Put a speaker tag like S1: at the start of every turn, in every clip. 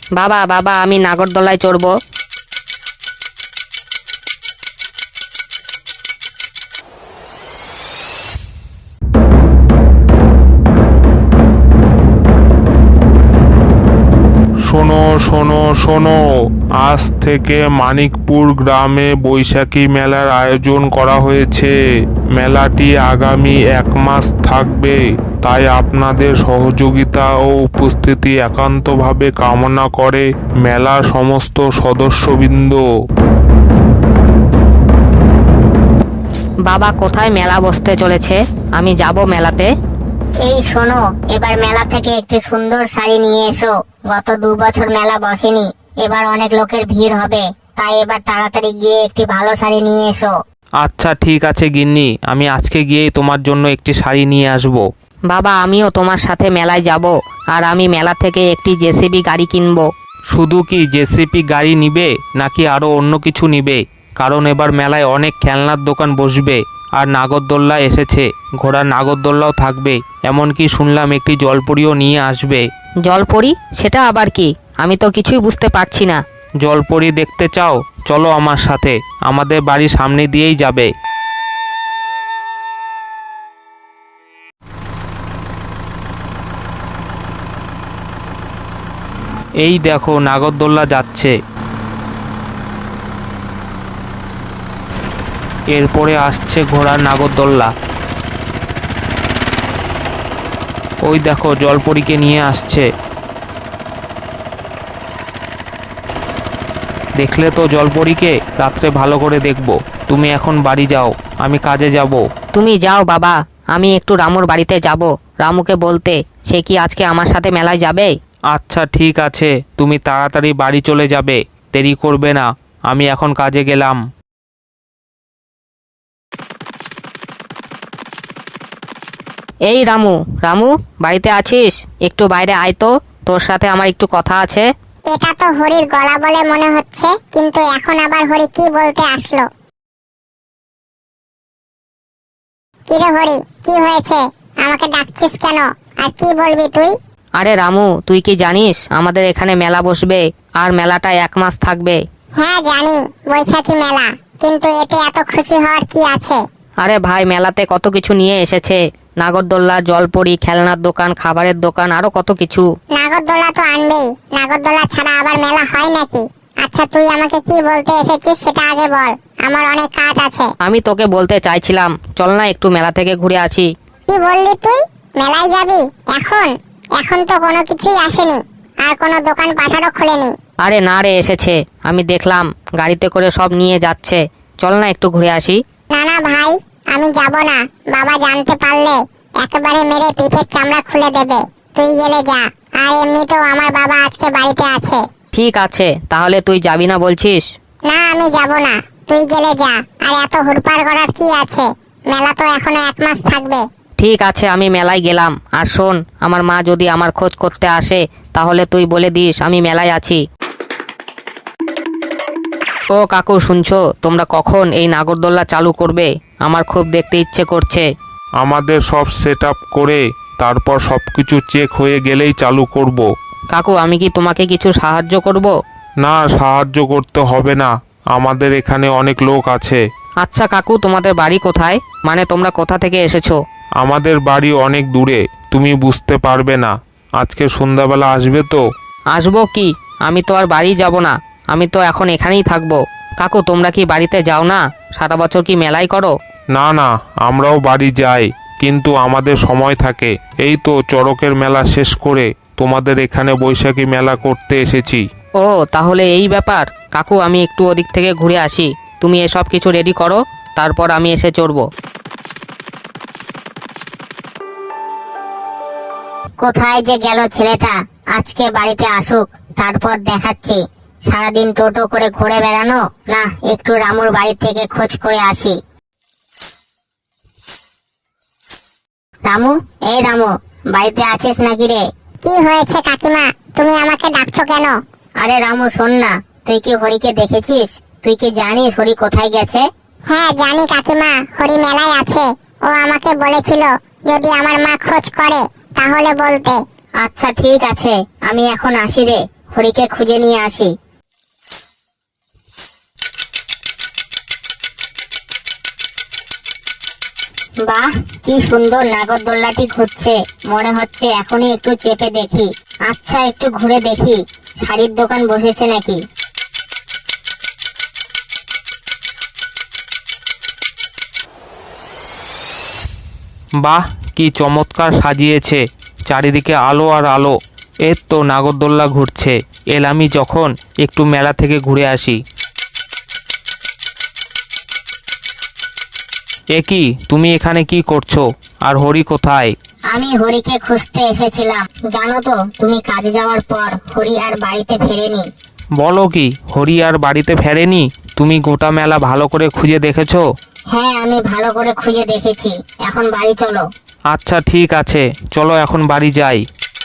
S1: বাবা বাবা আমি নাগরদোলায় চড়বো।
S2: শোনো শোনো শোনো, আজ থেকে মানিকপুর গ্রামে বৈশাখী মেলার আয়োজন করা হয়েছে। মেলাটি আগামী 1 মাস থাকবে, তাই আপনাদের সহযোগিতা ও উপস্থিতি একান্তভাবে কামনা করে মেলার সমস্ত সদস্যবৃন্দ।
S1: বাবা কোথায় মেলা বসতে চলেছে? আমি যাব মেলাতে।
S3: এই শোনো, এবার মেলা থেকে একটি সুন্দর শাড়ি নিয়ে এসো। গত 2 বছর মেলা বসেনি, এবার অনেক লোকের ভিড় হবে, তাই এবার তাড়াতাড়ি গিয়ে একটি ভালো শাড়ি নিয়ে এসো।
S4: আচ্ছা ঠিক আছে গিন্নি, আমি আজকে গিয়েই তোমার জন্য একটি শাড়ি নিয়ে আসব।
S1: বাবা আমিও তোমার সাথে মেলায় যাব, আর আমি মেলা থেকে একটি জেসিবি গাড়ি কিনবো।
S4: শুধু কি জেসিপি গাড়ি নিবে নাকি আরও অন্য কিছু নিবে? কারণ এবার মেলায় অনেক খেলনার দোকান বসবে, আর নাগরদোল্লা এসেছে, ঘোড়ার নাগরদোল্লাও থাকবে, এমনকি শুনলাম একটি জলপরীও নিয়ে আসবে।
S1: জলপরি? সেটা আবার কি? আমি তো কিছুই বুঝতে পারছি না।
S4: জলপরী দেখতে চাও? চলো আমার সাথে, আমাদের বাড়ির সামনে দিয়েই যাবে। এই দেখো নাগরদোল্লা যাচ্ছে। এরপরে আসছে ঘোড়ার নাগরদোল্লা। ওই দেখো জলপরীকে নিয়ে আসছে। দেখলে তো জলপরীকে? রাত্রে ভালো করে দেখবো। তুমি এখন বাড়ি যাও, আমি কাজে যাব।
S1: তুমি যাও বাবা, আমি একটু রামুর বাড়িতে যাব, রামুকে বলতে সে কি আজকে আমার সাথে মেলায় যাবে।
S4: আচ্ছা ঠিক আছে, তুমি তাড়াতাড়ি বাড়ি চলে যাবে, দেরি করবে না। আমি এখন কাজে গেলাম।
S1: এই রামু, রামু বাড়িতে আছিস? একটু বাইরে আয় তো, তোর সাথে আমার একটু কথা আছে।
S3: এটা তো হরির গলা বলে মনে হচ্ছে, কিন্তু এখন আবার হরি কি বলতে আসলো? কিরে হরি, কি হয়েছে? আমাকে ডাকছিস কেন? আর কি বলবি তুই?
S1: আরে রামু, তুই কি জানিস আমাদের এখানে মেলা বসবে, আর মেলাটা 1 মাস থাকবে।
S3: হ্যাঁ জানি, বৈশাখী মেলা, কিন্তু এতে এত খুশি হওয়ার কি আছে?
S1: আরে ভাই, মেলাতে কত কিছু নিয়ে এসেছে, নাগরদোল্লা, জলপরি, খেলনার দোকান, খাবারের দোকান, আরো কত কিছু।
S3: নাগরদোলা তো আনবেই, নাগরদোলা ছাড়া আবার মেলা হয় নাকি? আচ্ছা তুই আমাকে কি বলতে এসেছিস সেটা আগে বল, আমার অনেক কাজ আছে।
S1: আমি তোকে বলতে চাইছিলাম, চল না একটু মেলা থেকে ঘুরে আসি।
S3: কি বললি তুই? মেলায় যাবি এখন? এখন তো কোনো কিছুই আসেনি, আর কোনো দোকান পাঠারও খোলেনি।
S1: আরে না রে, এসেছে, আমি দেখলাম গাড়িতে করে সব নিয়ে যাচ্ছে, চল না একটু ঘুরে আসি।
S3: না না ভাই, আমি যাব না। বাবা জানতে পারলে একেবারে মেরে পিঠের চামড়া খুলে দেবে। তুই গেলে যা, আর এমনিতেও আমার বাবা আজকে বাড়িতে আছে।
S1: ঠিক আছে, তাহলে তুই যাবি না বলছিস?
S3: না আমি যাব না, তুই গেলে যা। আর এত হুড়পাড় করার কি আছে? মেলা তো এখনো 1 মাস থাকবে।
S1: ঠিক আছে, আমি মেলায় গেলাম। আর শোন, আমার মা যদি আমার খোঁজ করতে আসে তাহলে তুই বলে দিস আমি মেলায় আছি। ও কাকু, শুনছো? তোমরা কখন এই নাগরদোল্লা চালু করবে? আমার খুব দেখতে ইচ্ছে করছে।
S2: আমাদের সব সেট আপ করে তারপর সবকিছু চেক হয়ে গেলেই চালু করব।
S1: কাকু, আমি কি তোমাকে কিছু সাহায্য করব?
S2: না, সাহায্য করতে হবে না, আমাদের এখানে অনেক লোক আছে।
S1: আচ্ছা কাকু, তোমাদের বাড়ি কোথায়? মানে তোমরা কোথা থেকে এসেছো?
S2: আমাদের বাড়ি অনেক দূরে, তুমি বুঝতে পারবে না। আজকে সন্ধ্যাবেলা আসবে তো?
S1: আসবো কি, আমি তো আর বাড়ি যাব না, আমি তো এখন এখানেই থাকবো। কাকু, তোমরা কি বাড়িতে যাও না? সারা বছর কি মেলাই করো?
S2: না না, আমরাও বাড়ি যাই, কিন্তু আমাদের সময় থাকে। এই তো চড়কের মেলা শেষ করে তোমাদের এখানে বৈশাখী মেলা করতে এসেছি।
S1: ও তাহলে এই ব্যাপার। কাকু, আমি একটু ওদিক থেকে ঘুরে আসি, তুমি এসব কিছু রেডি করো, তারপর আমি এসে চড়বো।
S3: কোথায় যে গেল ছেলেটা? আজকে বাড়িতে আসুক, তারপর দেখাচ্ছি। সারাদিন টোটো করে ঘুরে বেড়ানো, না একটু রামুর বাড়ি থেকে খোঁজ করে আসি। রামু, এই রামু, বাড়িতে আছিস নাকি রে? কি হয়েছে কাকিমা, তুমি আমাকে ডাকছো কেন? আরে রামু শোন না, তুই কি হরিকে দেখেছিস? তুই কি জানিস হরি কোথায় গেছে? হ্যাঁ জানি কাকিমা, হরি মেলায় আছে। ও আমাকে বলেছিল যদি আমার মা খোঁজ করে তাহলে বলতে। আচ্ছা ঠিক আছে, আমি এখন আসি রে। হরিকে খুঁজে নিয়ে আসি। বাহ, কি সুন্দর নাগরদোল্লাটি ঘুরছে। মনে হচ্ছে এখনই একটু চেপে দেখি। আচ্ছা, একটু ঘুরে দেখি শাড়ির দোকান বসেছে নাকি।
S4: বাহ, কি চমৎকার সাজিয়েছে, চারিদিকে আলো আর আলো। এর তো নাগরদোল্লা ঘুরছে। এলামি যখন একটু মেলা থেকে ঘুরে আসি। এ কি, তুমি এখানে কি করছো? আর হরি কোথায়?
S3: আমি হরিকে খুঁজতে এসেছিলাম। জানো তো, তুমি কাজে যাওয়ার পর হরি আর বাড়িতে ফেরেনি।
S4: বলো কি, হরি আর বাড়িতে ফেরেনি? তুমি গোটা মেলা ভালো করে খুঁজে দেখেছো?
S3: হ্যাঁ, আমি ভালো করে খুঁজে দেখেছি। এখন বাড়ি চলো।
S4: আচ্ছা ঠিক আছে, চলো এখন বাড়ি যাই।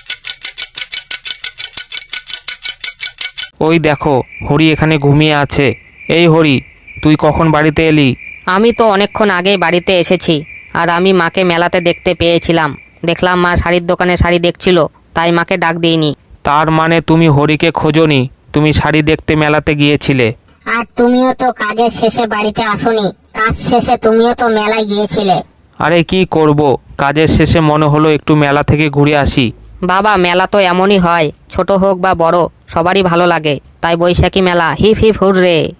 S4: ওই দেখো, হরি এখানে ঘুমিয়ে আছে। এই হরি, তুই কখন বাড়িতে এলি?
S1: আমি তো অনেকক্ষণ আগেই বাড়িতে এসেছি। আর আমি মাকে মেলাতে দেখতে পেয়েছিলাম। দেখলাম মা শাড়ির দোকানে শাড়ি দেখছিল, তাই মাকে ডাক দিইনি।
S4: তার মানে তুমি হরিকে খোঁজনি, তুমি শাড়ি দেখতে মেলাতে গিয়েছিলে।
S3: আর তুমিও তো কাজের শেষে বাড়িতে আসোনি। কাজ শেষে তুমিও তো মেলায় গিয়েছিলে।
S4: আরে কি করব, কাজের শেষে মনে হলো একটু মেলা থেকে ঘুরে আসি।
S1: বাবা, মেলা তো এমনই হয়, ছোট হোক বা বড়, সবারই ভালো লাগে। তাই বৈশাখী মেলা, হিপ হিপ হুররে।